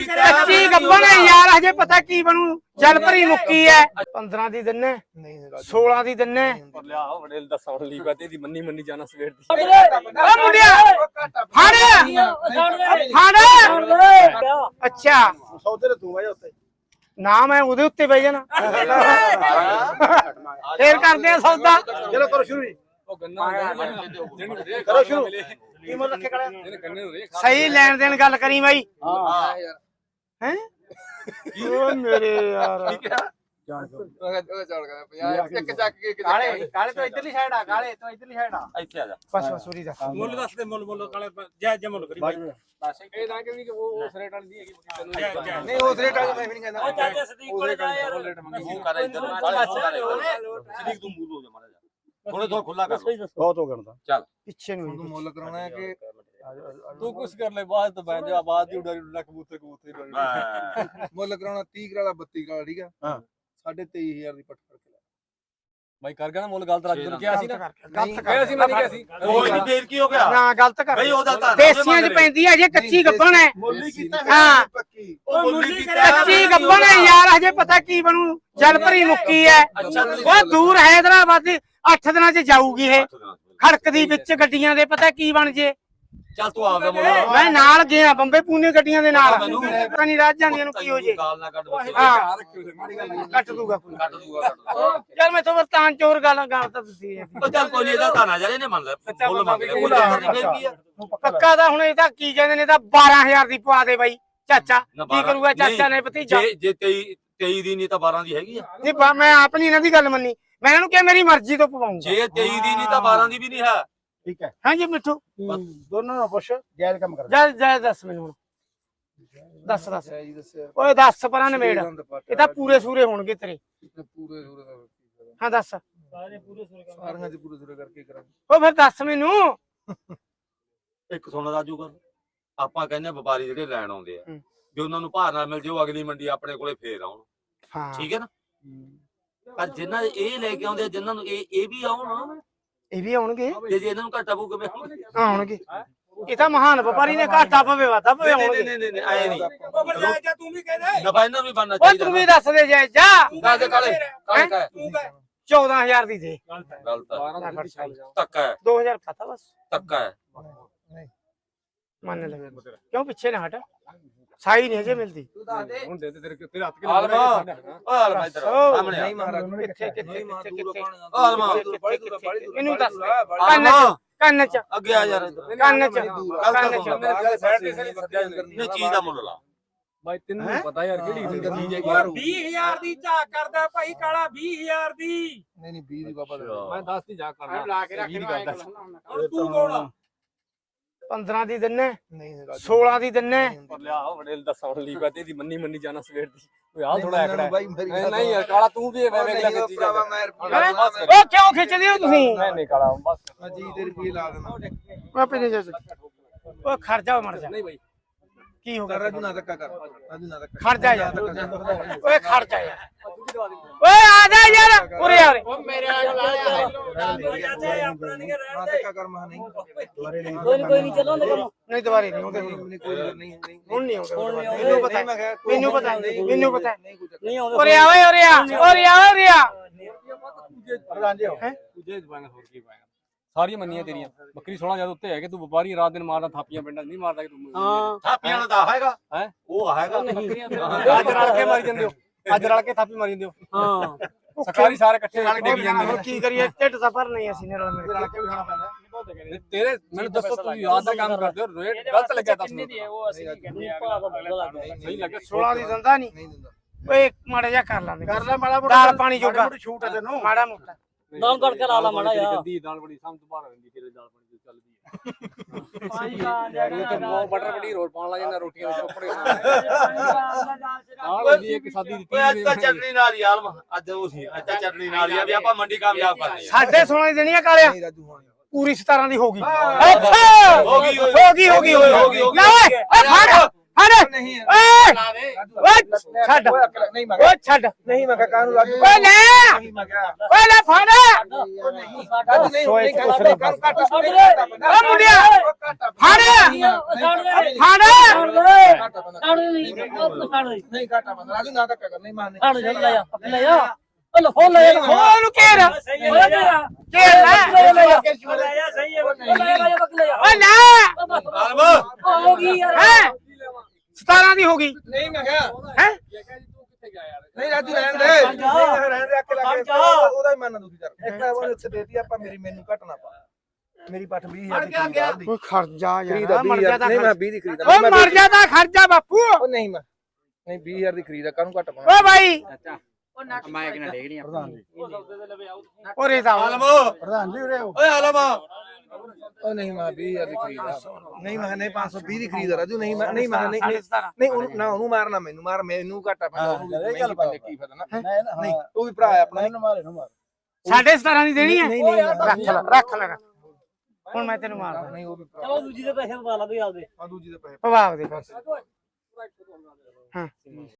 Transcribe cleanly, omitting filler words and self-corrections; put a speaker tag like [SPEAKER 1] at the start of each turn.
[SPEAKER 1] ਕੱਚੀ ਗੱਬਣ ਹੈ ਯਾਰ, ਹਜੇ ਪਤਾ ਕੀ ਬਣੂ। ਜਲ ਭਰੀ ਮੁੱਕੀ ਹੈ। 15 ਦੀ ਦਿੰਨੇ, 16 ਦੀ ਦਿੰਨੇ।
[SPEAKER 2] ਲਿਆ ਬੜੇ ਦੱਸਾਂ ਲਈ ਬਾਤੇ ਦੀ ਮੰਨੀ ਮੰਨੀ ਜਾਣਾ ਸਵੇਰ ਦੀ।
[SPEAKER 1] ਓ ਮੁੰਡਿਆ ਫੜ ਫੜ। ਅੱਛਾ
[SPEAKER 3] ਸੌਦੇ ਤੇ ਤੂੰ ਆ ਜਾ ਉੱਤੇ
[SPEAKER 1] ਨਾ, ਮੈਂ ਉਹਦੇ ਉੱਤੇ ਬਹਿ ਜਾਣਾ। ਫੇਰ ਕਰਦੇ ਆ ਸੌਦਾ।
[SPEAKER 3] ਚਲੋ ਕਰੋ ਸ਼ੁਰੂ ਜੀ।
[SPEAKER 2] ਉਹ ਗੰਨਾ
[SPEAKER 3] ਕਰੋ ਸ਼ੁਰੂ। ਕੀ ਮੁੱਲ ਰੱਖੇ ਕੜਾ?
[SPEAKER 1] ਸਹੀ ਲੈਣ ਦੇਣ ਗੱਲ ਕਰੀ ਬਾਈ।
[SPEAKER 3] ਹਾਂ ਯਾਰ
[SPEAKER 1] ਹੈ ਓ ਮੇਰੇ ਯਾਰ
[SPEAKER 3] ਇੱਕ ਚੱਕ ਕੇ ਕਾਲੇ ਕਾਲੇ ਤੋਂ ਇਧਰਲੀ ਸਾਈਡ ਆ, ਕਾਲੇ ਤੋਂ ਇਧਰਲੀ ਸਾਈਡ ਆ।
[SPEAKER 2] ਇੱਥੇ ਆ ਜਾ।
[SPEAKER 1] ਬਸ ਬਸ ਉਰੀ ਦਾ
[SPEAKER 2] ਮੁੱਲ ਦੱਸ ਦੇ, ਮੁੱਲ ਕਾਲੇ ਜੈ ਜੈ ਮੁੱਲ ਕਰੀ ਬਾਈ। ਇਹ ਨਾ ਕਿ ਉਹ ਉਸ ਰੇਟ ਵਾਲੀ ਨਹੀਂ ਹੈਗੀ ਤੈਨੂੰ।
[SPEAKER 3] ਨਹੀਂ ਉਸ ਰੇਟ ਵਾਲੀ ਮੈਂ ਵੀ ਨਹੀਂ ਕਹਿੰਦਾ।
[SPEAKER 4] ਉਹ ਚਾਚਾ ਸਦੀਕ ਕੋਲੇ ਜਾ ਯਾਰ।
[SPEAKER 2] ਮੂੰਹ ਕਰ ਇੱਧਰ ਸਦੀਕ ਤੂੰ ਮੂੰਹ ਹੋ ਜਾ ਮਾਰਾ ਜਾ ਥੋੜਾ ਥੋੜਾ ਖੁੱਲਾ ਕਰ
[SPEAKER 3] ਬਹੁਤ ਹੋ ਗਣਦਾ।
[SPEAKER 2] ਚੱਲ
[SPEAKER 1] ਪਿੱਛੇ ਨੂੰ
[SPEAKER 3] ਤੂੰ ਮੁੱਲ ਕਰਾਉਣਾ ਹੈ ਕਿ
[SPEAKER 2] ਤੂੰ ਕੁਛ ਕਰ ਲੈ ਬਾਅਦ ਤੋਂ ਬੈਠ ਜਾ। ਬਾਅਦ ਦੀ ਉਡਾਰੀ ਉਡਾ ਕਬੂਤਰ ਕਬੂਤਰ
[SPEAKER 3] ਮੁੱਲ ਕਰਾਉਣਾ 30 ਕਰਾਲਾ 32 ਕਰਾਲਾ ਠੀਕ ਆ। ਹਾਂ 23500 ਦੀ ਪੱਟ ਫੜ ਕੇ ਲੈ
[SPEAKER 2] ਬਾਈ ਕਰ ਗਿਆ ਨਾ ਮੁੱਲ। ਗਲਤ ਰੱਖ ਦੇ ਕਿਹਾ ਸੀ ਨਾ।
[SPEAKER 1] ਗਲਤ
[SPEAKER 2] ਕਿਹਾ ਸੀ ਮੈਂ ਨਹੀਂ ਕਿਹਾ ਸੀ।
[SPEAKER 5] ਕੋਈ ਨਹੀਂ ਫੇਰ ਕੀ ਹੋ ਗਿਆ
[SPEAKER 1] ਨਾ ਗਲਤ ਕਰ
[SPEAKER 5] ਬਈ ਉਹਦਾ ਤਾਂ
[SPEAKER 1] ਦੇਸੀਆਂ 'ਚ ਪੈਂਦੀ ਹੈ, ਜੇ ਕੱਚੀ ਗੱਬਣ ਹੈ।
[SPEAKER 3] ਮੁੱਲੀ ਕੀਤਾ
[SPEAKER 1] ਹਾਂ
[SPEAKER 3] ਪੱਕੀ।
[SPEAKER 5] ਉਹ ਮੁੱਲੀ
[SPEAKER 1] ਕੱਚੀ ਗੱਬਣ ਹੈ ਯਾਰ, ਹਜੇ ਪਤਾ ਕੀ ਬਣੂ। ਜਲ ਭਰੀ ਮੁੱਕੀ ਹੈ। ਉਹ ਦੂਰ ਹੈਦਰਾਬਾਦ 8 ਦਿਨਾਂ 'ਚ ਜਾਊਗੀ ਇਹ। ਖੜਕਦੀ ਵਿੱਚ ਗੱਡੀਆਂ ਦੇ, ਪਤਾ ਕੀ ਬਣ ਜੇ।
[SPEAKER 5] ਚੱਲ ਤੂੰ ਆਪਦਾ ਮੁੱਲ
[SPEAKER 1] ਮੈਂ ਨਾਲ ਗਿਆ ਬੰਬੇ ਪੂਨੇ ਗੱਡੀਆਂ ਦੇ ਨਾਲ। ਪਤਾ ਨਹੀਂ ਰਾਜ ਜਾਂਦੀਆਂ ਨੂੰ ਕੀ ਹੋ ਜੇ।
[SPEAKER 5] ਗਾਲ ਨਾ ਕੱਢ
[SPEAKER 1] ਹਾਂ ਕੱਟ ਦੂਗਾ ਕੋਈ।
[SPEAKER 5] ਕੱਢ ਦੂਗਾ
[SPEAKER 1] ਯਾਰ ਮੈਂ ਤਾਂ ਵਰਤਾਨ ਚੋਰ ਗੱਲ ਤਾਂ ਦਿੱਤੀ ਹੈ।
[SPEAKER 5] ਉਹ ਚੱਲ ਕੋਈ ਨਹੀਂ, ਇਹਦਾ ਤਾਂ ਨਾ ਜਾ ਇਹਨੇ ਮੰਨ ਲੈ ਮੁੱਲ ਮੰਗ ਲਿਆ। ਕੋਈ ਚੱਕਰ ਨਹੀਂ, ਫੇਰ ਕੀ ਆ।
[SPEAKER 1] ਪੱਕਾ ਦਾ ਹੁਣ ਇਹ ਤਾਂ ਕੀ ਕਹਿੰਦੇ ਨੇ, ਤਾਂ 12000 ਦੀ ਪਵਾ ਦੇ ਬਾਈ। ਚਾਚਾ ਕੀ ਕਰੂਗਾ ਚਾਚਾ ਨੇ ਭਤੀਜਾ।
[SPEAKER 5] ਜੇ 23 ਦੀ ਨਹੀਂ ਤਾਂ 12 ਦੀ ਹੈਗੀ ਆ।
[SPEAKER 1] ਨਹੀਂ ਮੈਂ ਆਪ ਨਹੀਂ ਇਹਨਾਂ ਦੀ ਗੱਲ ਮੰਨੀ। ਮੈਂ ਇਹਨਾਂ ਨੂੰ ਕਿਹਾ ਮੇਰੀ ਮਰਜ਼ੀ ਤੋਂ ਪਵਾਉਂਗਾ।
[SPEAKER 5] ਜੇ 23 ਦੀ ਨਹੀਂ ਤਾਂ 12 ਦੀ ਵੀ ਨਹੀਂ ਹੈ।
[SPEAKER 3] ਠੀਕ ਹੈ
[SPEAKER 1] ਹਾਂਜੀ ਮਿੱਠੂ
[SPEAKER 3] ਦੋਨੋਂ ਨੂੰ ਪੁੱਛ ਜਾਇਜ਼ ਕੰਮ ਕਰ।
[SPEAKER 1] ਜਾ ਦੱਸ ਮੈਨੂੰ ਹੁਣ। ਦੱਸ
[SPEAKER 3] ਜੀ ਦੱਸਿਆ
[SPEAKER 1] ਓਏ ਦੱਸ ਪਰਾਂ ਨਵੇੜ। ਇਹ ਤਾਂ ਪੂਰੇ ਸੂਰੇ ਹੋਣਗੇ ਤੇਰੇ।
[SPEAKER 3] ਪੂਰੇ ਸੂਰੇ ਦਾ
[SPEAKER 1] ਹਾਂ ਦੱਸ।
[SPEAKER 3] ਸਾਰੀਆਂ ਚ ਪੂਰੇ ਸੂਰੇ ਕਰਕੇ ਕਰਾਂਗੇ।
[SPEAKER 1] ਓ ਫਿਰ ਦੱਸ ਮੈਨੂੰ।
[SPEAKER 5] ਇੱਕ ਸੁਣ ਰਾਜੂ ਗੱਲ, ਆਪਾਂ ਕਹਿੰਦੇ ਆ ਵਪਾਰੀ ਜਿਹੜੇ ਲੈਣ ਆਉਂਦੇ ਆ,
[SPEAKER 1] ਹੂੰ।
[SPEAKER 5] ਜੇ ਉਹਨਾਂ ਨੂੰ ਭਾਅ ਨਾਲ ਮਿਲ ਜੇ ਉਹ ਅਗਲੀ ਮੰਡੀ ਆਪਣੇ ਕੋਲੇ ਫੇਰ ਆਉਣ।
[SPEAKER 1] ਹਾਂ
[SPEAKER 5] ਠੀਕ ਹੈ ਨਾ। ਪਰ ਜਿਨ੍ਹਾਂ ਇਹ ਲੈ ਕੇ ਆਉਂਦੇ ਆ, ਜਿਨ੍ਹਾਂ ਨੂੰ ਇਹ ਵੀ ਆਉਣ,
[SPEAKER 1] ਇਹ ਵੀ ਆਉਣਗੇ।
[SPEAKER 5] ਤੇ ਜੇ ਇਹਨਾਂ ਨੂੰ ਘਾਟਾ ਪਊ ਕਿਵੇਂ
[SPEAKER 1] ਆਉਣਗੇ। ਇਹ ਤਾਂ ਮਹਾਨ ਵਪਾਰੀ ਨੇ ਘਾਟਾ ਪਵੇ ਵਾਧਾ ਪਵੇ ਆਉਣਗੇ।
[SPEAKER 5] ਨਹੀਂ ਆਏ ਨਹੀਂ
[SPEAKER 3] ਜਾ ਤੂੰ ਵੀ ਕਹਿੰਦੇ
[SPEAKER 5] ਨਫਾ ਇਹਨਾਂ ਨੂੰ ਵੀ ਬਣਨਾ
[SPEAKER 1] ਓ
[SPEAKER 5] ਚਾਹੀਦਾ।
[SPEAKER 1] ਤੂੰ ਵੀ ਦੱਸ ਦੇ ਜਾ ਜਾ।
[SPEAKER 5] ਦੱਸ ਦੇ ਕਾਲੇ ਕਾਲੇ ਕਾ
[SPEAKER 1] 14000 ਦੀ ਦੇ।
[SPEAKER 5] ਗਲਤ ਹੈ, ਧੱਕਾ ਹੈ,
[SPEAKER 1] 2000 ਖਾਤਾ ਬਸ
[SPEAKER 5] ਧੱਕਾ ਹੈ।
[SPEAKER 1] ਮੰਨ ਲੈ ਕਿਉਂ ਪਿੱਛੇ ਨਾ ਹਟ। ਸਾਈ ਨਹੀਂ ਹਜੇ ਮਿਲਦੀ।
[SPEAKER 2] ਹੁਣ ਦੇ ਤੇਰੇ ਹੱਥ ਕੇ
[SPEAKER 5] ਆਲਮਾ ਆਲਮਾ ਇੱਧਰ ਸਾਹਮਣੇ ਆ।
[SPEAKER 3] ਨਹੀਂ ਮਹਾਰਾਜ
[SPEAKER 1] ਕਿੱਥੇ ਕਿੱਥੇ ਕਿੱਥੇ
[SPEAKER 5] ਆਲਮਾ
[SPEAKER 1] ਇਹਨੂੰ ਦੱਸ ਕੰਨ ਚ
[SPEAKER 5] ਅੱਗੇ ਆ ਯਾਰ ਇੱਧਰ।
[SPEAKER 1] ਕੰਨ ਚ
[SPEAKER 5] ਨਹੀਂ ਚੀਜ਼ ਦਾ ਮੁੱਲ ਲਾ
[SPEAKER 2] ਬਾਈ ਤੈਨੂੰ ਪਤਾ ਯਾਰ ਕਿਹੜੀ ਚੀਜ਼ ਹੈ।
[SPEAKER 4] 20000 ਦੀ ਝਾਕ ਕਰਦਾ ਭਾਈ ਕਾਲਾ 20000 ਦੀ।
[SPEAKER 3] ਨਹੀਂ 20 ਦੀ ਬਾਬਾ
[SPEAKER 2] ਮੈਂ 10 ਦੀ ਜਾ ਕਰਨਾ।
[SPEAKER 1] ਲਾ ਕੇ ਰੱਖ
[SPEAKER 4] ਹੁਣ ਤੂੰ ਕੌਣ ਆ?
[SPEAKER 1] 15 ਦੀ ਦਿੰਨੇ,
[SPEAKER 3] ਨਹੀਂ
[SPEAKER 1] 16 ਦੀ ਦਿੰਨੇ।
[SPEAKER 2] ਲਿਆ ਬੜੇ ਦੱਸਾਂ ਲਈ ਬਾਤੇ ਦੀ ਮੰਨੀ ਮੰਨੀ ਜਾਣਾ ਸਵੇਰ ਦੀ। ਓਏ ਆ ਥੋੜਾ ਐਕੜਾ
[SPEAKER 3] ਬਾਈ ਮੇਰੀ
[SPEAKER 2] ਨਹੀਂ ਯਾਰ ਕਾਲਾ ਤੂੰ ਵੀ ਐਵੇਂ ਵੇਖ ਲੈ ਕਿੱਥੇ ਜਾ।
[SPEAKER 1] ਓ ਕਿਉਂ ਖਿੱਚਦੇ ਹੋ ਤੁਸੀਂ?
[SPEAKER 2] ਨਹੀਂ ਕਾਲਾ ਬਸ
[SPEAKER 3] ਮੈਂ ਜੀ ਤੇ ਰੁਪਏ ਲਾ ਦੇਣਾ।
[SPEAKER 1] ਮੈਂ ਪਿੰਨੇ ਜਾ। ਓ ਖਰਚਾ ਮਰ ਜਾ।
[SPEAKER 2] ਨਹੀਂ ਬਾਈ
[SPEAKER 1] ਕੀ ਹੋ ਗਿਆ?
[SPEAKER 3] ਰਾਜੂ ਨਾ ਧੱਕਾ ਕਰ। ਰਾਜੂ ਨਾ ਧੱਕਾ
[SPEAKER 1] ਖਰਚਾ ਯਾਰ। ਓਏ ਖਰਚਾ ਯਾਰ। ਓਏ ਆ ਜਾ ਯਾਰ ਉਰੇ ਆ ਉਰੇ।
[SPEAKER 4] ਮੇਰੇ ਵਾਲਾ ਚਾਚਾ ਆਪਣਾ ਨਹੀਂ
[SPEAKER 3] ਨਾ
[SPEAKER 4] ਰਹਿੰਦੇ।
[SPEAKER 3] ਧੱਕਾ ਕਰ ਮਾ ਨਹੀਂ ਦੁਬਾਰੇ ਨਹੀਂ
[SPEAKER 4] ਕੋਈ ਨਹੀਂ ਚੱਲੋ ਨਾ ਕੰਮ।
[SPEAKER 1] ਨਹੀਂ ਦੁਬਾਰੇ ਨਹੀਂ ਆਉਂਦੇ।
[SPEAKER 3] ਕੋਈ ਨਹੀਂ
[SPEAKER 1] ਹੁਣ ਨਹੀਂ ਆਉਂਦੇ।
[SPEAKER 4] ਹੁਣ ਨਹੀਂ ਆਉਂਦੇ।
[SPEAKER 1] ਮੈਨੂੰ ਪਤਾ
[SPEAKER 3] ਮੈਂ ਕਿਹਾ
[SPEAKER 1] ਮੈਨੂੰ ਪਤਾ ਮੈਨੂੰ ਪਤਾ
[SPEAKER 3] ਨਹੀਂ ਕੁਝ
[SPEAKER 4] ਨਹੀਂ ਆਉਂਦੇ।
[SPEAKER 1] ਉਰੇ ਆ ਓਏ ਉਰੇ ਆ ਉਰੇ ਆ ਉਰੇ ਆ।
[SPEAKER 3] ਪ੍ਰਧਾਨ ਜੀ
[SPEAKER 1] ਹੈ
[SPEAKER 2] ਤੁਝੇ ਜਵਾਂਗਾ ਹੋਰ ਕੀ ਪਾਏਗਾ। ਸਾਰੀਆਂ ਮੰਨੀਆਂ ਤੇਰੀਆਂ। ਬੱਕਰੀ 16 ਜਦ ਉੱਤੇ ਹੈ ਕਿ ਤੂੰ ਵਪਾਰੀ ਰਾਤ ਦਿਨ ਮਾਰਦਾ ਥਾਪੀਆਂ ਪਿੰਡਾਂ ਨਹੀਂ ਮਾਰਦਾ ਕਿ ਤੂੰ।
[SPEAKER 4] ਹਾਂ
[SPEAKER 5] ਥਾਪੀਆਂ ਵਾਲਾ ਤਾਂ ਹੈਗਾ
[SPEAKER 2] ਹੈ
[SPEAKER 5] ਉਹ ਹੈਗਾ।
[SPEAKER 2] ਅੱਜ ਰਲ ਕੇ ਮਾਰੀ ਜਾਂਦੇ ਹੋ। ਅੱਜ ਰਲ ਕੇ ਥਾਪੀ ਮਾਰੀ ਜਾਂਦੇ ਹੋ।
[SPEAKER 4] ਹਾਂ
[SPEAKER 2] ਸਰਕਾਰੀ ਸਾਰੇ ਇਕੱਠੇ ਰਲ ਕੇ ਡਿੱਗ ਜਾਂਦੇ
[SPEAKER 1] ਹੁਣ ਕੀ ਕਰੀਏ ਢਿੱਡ ਸਫਰ ਨਹੀਂ ਅਸੀਂ ਨੇ ਰਲ ਮਿਲ ਕੇ।
[SPEAKER 3] ਵੀ ਖਾਣਾ ਪੈਂਦਾ।
[SPEAKER 2] ਨੇ। ਤੇਰੇ ਮੈਨੂੰ ਦੱਸੋ ਤੂੰ ਯਾਦ ਦਾ ਕੰਮ ਕਰਦੇ ਹੋ ਰੇਟ ਗਲਤ ਲੱਗਿਆ ਦੱਸ ਮੈਨੂੰ।
[SPEAKER 4] ਉਹ ਅਸੀਂ ਕੀ ਕਹਿੰਦੇ ਆ
[SPEAKER 2] ਸਹੀ ਲੱਗਿਆ
[SPEAKER 1] 16 ਦੀ ਦਿੰਦਾ ਨਹੀਂ।
[SPEAKER 3] ਨਹੀਂ ਦਿੰਦਾ।
[SPEAKER 1] ਓਏ ਮਾੜਾ ਜਿਹਾ ਕਰ ਲਾਂਦੇ।
[SPEAKER 3] ਕਰ ਲੈ ਮਾੜਾ ਮੋਟਾ
[SPEAKER 1] ਦਾਲ ਪਾਣੀ ਜੋਗਾ
[SPEAKER 3] ਛੂਟ ਹੈ ਤੈਨੂੰ।
[SPEAKER 1] ਮਾੜਾ ਮੋਟਾ।
[SPEAKER 4] ਦਾਲ ਕਰਕੇ ਲਾ ਲਾ ਮਾੜਾ ਜਿਹਾ।
[SPEAKER 2] ਗੰਦੀ ਦਾਲ ਬੜੀ ਸਮਝ ਤੋਂ ਬਾਹਰ ਰਹਿੰਦੀ ਤੇਰੇ ਦਾਲ ਬੜੀ ਚੱਲਦੀ ਹੈ।
[SPEAKER 4] ਪਾਣੀ
[SPEAKER 2] ਇਹ ਤੇ ਮਟਰ ਪਨੀਰ ਹੋਰ ਪਾਉਣ ਲੱਗ ਜਾਂਦਾ ਰੋਟੀਆਂ ਵਿੱਚ ਉੱਪਰ ਆਹ ਹੁੰਦੀ ਇੱਕ ਸਾਦੀ ਦਿੱਤੀ
[SPEAKER 5] ਓਏ ਅੱਜ ਤਾਂ ਚਟਨੀ ਨਾਲ ਹੀ ਆਲਮਾ ਅੱਜ ਉਹ ਸੀ। ਅੱਜ ਤਾਂ ਚਟਨੀ ਨਾਲ ਹੀ ਆ ਵੀ ਆਪਾਂ ਮੰਡੀ ਕਾਮਯਾਬ ਕਰਨੀ ਆ।
[SPEAKER 1] 16.5 ਦੀ ਦੇਣੀ ਆ ਕਾਲਿਆ।
[SPEAKER 3] ਨਹੀਂ ਰਾਜੂ ਹੋਣੀ
[SPEAKER 1] ਪੂਰੀ 17 ਦੀ ਹੋ ਗਈ। ਅੱਛਾ
[SPEAKER 5] ਹੋ ਗਈ
[SPEAKER 1] ਹੋ ਗਈ ਹੋ ਗਈ ਹੋ ਗਈ। ਲੈ ਓਏ ਓਏ ਫੜ ਫੜ
[SPEAKER 3] ਨਹੀਂ
[SPEAKER 1] ਓਏ ਓਏ ਛੱਡ
[SPEAKER 3] ਨਹੀਂ ਮੈਂ
[SPEAKER 1] ਓਏ ਛੱਡ
[SPEAKER 3] ਨਹੀਂ ਮੈਂ ਕਾਹਨੂੰ ਰਾਜੂ
[SPEAKER 1] ਓਏ ਲੈ
[SPEAKER 3] ਨਹੀਂ ਮੈਂ ਕਿਹਾ
[SPEAKER 1] ਓਏ ਲੈ ਫੜ
[SPEAKER 3] ਰਾਜੂ ਨਹੀਂ ਨਹੀਂ ਕਾਹਨੂੰ ਘਾਟਾ
[SPEAKER 1] ਓ ਮੁੰਡਿਆ ਫੜ ਫੜ
[SPEAKER 3] ਨਹੀਂ ਘਾਟਾ ਬੰਦਾ ਰਾਜੂ ਨਾ ਧੱਕਾ ਕਰ ਨਹੀਂ ਮਾਰਨੇ
[SPEAKER 1] ਖੋਲ ਘੇਰ ਘੇਰ ਲੈ ਓਏ ਲੈ ਹੈ 17 ਦੀ ਹੋ ਗਈ
[SPEAKER 3] ਨਹੀਂ ਮੈਂ ਕਿਹਾ
[SPEAKER 1] ਹੈ
[SPEAKER 3] ਨਹੀਂ ਰਾਜੂ ਰਹਿਣ ਦੇ ਰਹਿਣ ਦੇ ਅੱਕੇ ਲੱਗ ਉਹਦਾ ਹੀ ਮਨ ਦੁਖੀ ਕਰ ਇੱਕ ਵਾਰ ਉੱਥੇ ਦੇਤੀ ਆਪਾਂ ਮੈਨੂੰ ਘਟਣਾ ਪਾ ਮੇਰੀ ਪੱਠ 20000 ਦੀ ਖਰੀਦ ਦੀ
[SPEAKER 1] ਓਏ ਖਰਜਾ
[SPEAKER 3] ਖਰੀਦ
[SPEAKER 1] ਯਾਰ ਮਰ ਜਾ
[SPEAKER 3] ਨਹੀਂ ਮੈਂ 20 ਦੀ ਖਰੀਦ
[SPEAKER 1] ਓਏ ਮਰ ਜਾ ਤਾਂ ਖਰਜਾ ਬਾਪੂ
[SPEAKER 3] ਉਹ ਨਹੀਂ ਮੈਂ ਨਹੀਂ 20000 ਦੀ ਖਰੀਦ ਆ ਕਾਹਨੂੰ ਘਟ ਪਾਉਣਾ
[SPEAKER 1] ਓ ਭਾਈ
[SPEAKER 2] ਮੈਂ ਕਿਹਨਾਂ ਡੇਗ ਨਹੀਂ
[SPEAKER 1] ਓਰੇ ਦਾ
[SPEAKER 5] ਓਏ ਆਲਮ
[SPEAKER 3] ਉਹ ਨਹੀਂ ਮੈਂ 20000 ਦੀ ਖਰੀਦ ਆ ਨਹੀਂ ਮੈਂ ਨਹੀਂ 520 ਦੀ ਖਰੀਦ ਆ ਰਾਜੂ ਨਹੀਂ ਮੈਂ ਨਹੀਂ ਮੈਂ ਨਹੀਂ ਨਹੀਂ ਉਹਨੂੰ ਨਾ ਉਹਨੂੰ ਮਾਰਨਾ ਮੈਨੂੰ ਘਾਟਾ ਪੈਂਦਾ ਉਹਨੂੰ ਗੱਲ ਪਾ ਕੀ ਫਾਇਦਾ ਨਾ ਨਹੀਂ ਉਹ ਵੀ ਭਰਾ ਹੈ ਆਪਣਾ
[SPEAKER 1] ਸਾਢੇ 17 ਦੀ ਦੇਣੀ ਹੈ
[SPEAKER 3] ਨਹੀਂ ਨਹੀਂ
[SPEAKER 1] ਰੱਖ ਲੈ ਹੁਣ ਮੈਂ ਤੈਨੂੰ ਮਾਰਦਾ
[SPEAKER 3] ਨਹੀਂ ਉਹ ਵੀ
[SPEAKER 4] ਚਲੋ ਦੂਜੀ ਦੇ ਪੈਸੇ ਪਾ ਲਾ ਵੀ ਆਪਦੇ
[SPEAKER 3] ਆ ਦੂਜੀ ਦੇ ਪੈਸੇ
[SPEAKER 1] ਪਵਾਵ ਦੇ ਬਸ ਹਾਂ